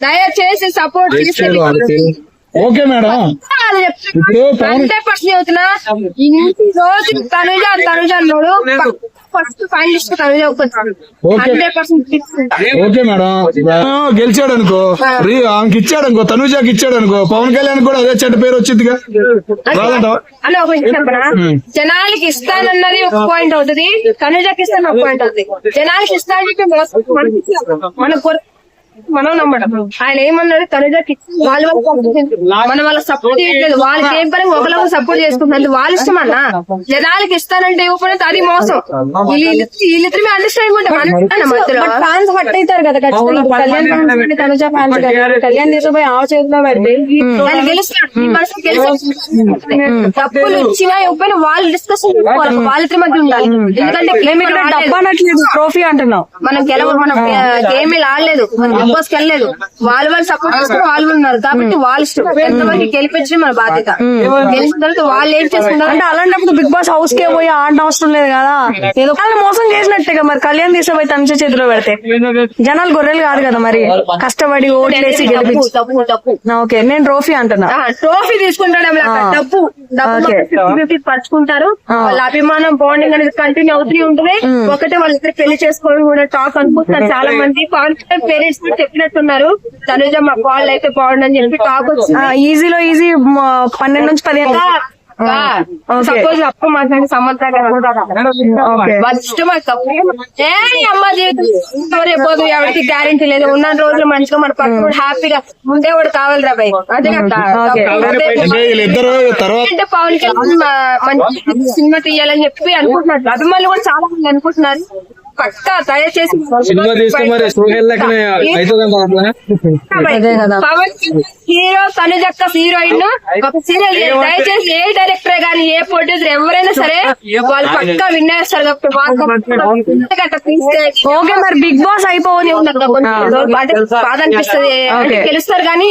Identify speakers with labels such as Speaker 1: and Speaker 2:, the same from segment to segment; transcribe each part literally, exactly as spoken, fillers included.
Speaker 1: దయచేసి సపోర్ట్ చేసి
Speaker 2: okay madam.
Speaker 1: Hundred percent చెబుతున్నా. ఇన్ని రోజులు తనుజ తనుజ అన్నాడు, first finalist Tanuja hundred percent.
Speaker 2: Okay madam, గెలిచాడు అనుకో, ఆమెకి ఇచ్చాడు అనుకో, తనుజాకి ఇచ్చాడు అనుకో, పవన్ కళ్యాణ్ కూడా అదే చెడ్డ పేరు వచ్చిందిగా.
Speaker 1: అని ఒక చెప్పనా, జనాలకి ఇస్తానన్నది ఒక పాయింట్ అవుతుంది, తనుజాకి ఇస్తాను ఒక పాయింట్ అవుతుంది. జనాలకి ఇస్తానని మన మనం నమ్మడం. ఆయన ఏమన్నాడు, తనుజాకి వాళ్ళ మనం వాళ్ళ సపోర్ట్ చేయట్లేదు, వాళ్ళకి ఏం పని ఒకరికి సపోర్ట్ చేసుకుంటున్నారు, వాళ్ళ ఇష్టం అన్న. జనాలకి ఇస్తానంటే ఇవ్వకపోతే అది మోసం. వీళ్ళిద్దరు మీ అండర్స్టాండింగ్ ఉంటే ఫ్యాన్స్ హట్ అవుతారు కదా కళ్యాణ్ ఫ్యాన్స్, తనుజ ఫ్యాన్స్ కళ్యాణ్ తీసుకుపోయి ఆ చేతిలో పెడితే గెలుస్తాడు. డబ్బులు ఇచ్చినా ఇవ్వకపోయినా వాళ్ళు డిస్కషన్ వాళ్ళిద్దరి మధ్య ఉండాలి. ఎందుకంటే డబ్బు అనట్లేదు, ట్రోఫీ అంటున్నాం. మనం గెలవ మనం గేమ్ ఆడలేదు, బిగ్ బాస్ కి వెళ్ళలేదు, వాళ్ళు వాళ్ళు సపోర్ట్ చేసుకుని వాళ్ళు ఉన్నారు కాబట్టి వాళ్ళ ఇష్టం. ఎంతమంది గెలిపించడం మన బాధ్యత. గెలిచిన తర్వాత వాళ్ళు ఏం చేసుకుంటారు అంటే అలాంటప్పుడు బిగ్ బాస్ హౌస్ కే పోయి ఆడడం అవసరం లేదు కదా. ఏదో వాళ్ళు మోసం చేసినట్టుగా మరి కళ్యాణ్ తీసుకుపోయి తనుజ చేతిలో పెడితే జనాలు గొర్రెలు కాదు కదా మరి, కష్టపడి ఓట్లేసి గెలిపించి. ఓకే, నేను ట్రోఫీ అంటున్నా. ట్రోఫీ తీసుకుంటాడు డబ్బు డబ్బు పరుచుకుంటారు. వాళ్ళ అభిమానం బాండింగ్ అనేది కంటిన్యూ అవుతూ ఉంటుంది. ఒకటే వాళ్ళిద్దరు పెళ్లి చేసుకోవడం కూడా టాక్ అనుకుంటున్నారు చాలా మంది. పవన్ కళ్యాణ్ పేరెంట్స్ చెప్పినట్టున్నారు, తనుజ మా వాళ్ళు అయితే బాగుండని చెప్పి టాక్ వచ్చింది. ఈజీలో ఈజీ పన్నెండు నుంచి పదిహేను సపోజ్ అప్పు మాట్లాడి సమంత ఇష్టం అమ్మ జీవితం రేపోదు ఎవరికి గ్యారెంటీ లేదు. ఉన్న రోజులు మంచిగా మన పక్కన హ్యాపీగా ఉండేవాడు కావాలి రా భయ్. అదే అంటే పవన్ కళ్యాణ్ మంచి సినిమా తీయాలని చెప్పి అనుకుంటున్నారు, అభిమానులు కూడా చాలా మంది అనుకుంటున్నారు. పక్కా దయచేసి పవన్ హీరో తనుజక్క హీరోయిన్ ఒక సీరియల్ దయచేసి ఏ డైరెక్టర్ గానీ ఏ ప్రొడ్యూసర్ ఎవరైనా సరే వాళ్ళు పక్కా విన్నేస్తారు. ఓకే, మరి బిగ్ బాస్ అయిపోవని బాధ అనిపిస్తుంది, గెలుస్తారు కానీ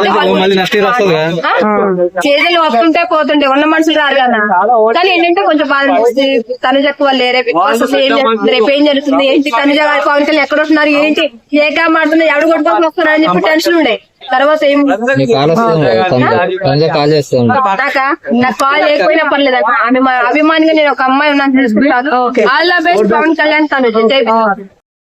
Speaker 1: చేతులు వస్తుంటే పోతుంటే ఉన్న మనుషులు రారు కదా. కానీ ఏంటంటే కొంచెం బాధ అనిపిస్తుంది. తనుజక్క వాళ్ళు రేపు రేపు ఏం జరుగుతుంది ఏంటి, తనుజ గారు పవన్ కళ్యాణ్ ఎక్కడ వస్తున్నారు ఏంటి, ఏకా మాడుతున్నారు, ఎవడు కొట్టుకొని వస్తున్నారు అని చెప్పి టెన్షన్ ఉండే. తర్వాత ఏం నాకా నాకు కాల్ చేయకపోయినా పర్లేదు, ఆమె అభిమానిగా నేను ఒక అమ్మాయి ఉన్నాను తెలుసుకుంటాను. All the best Pawan Kalyan Tanuja.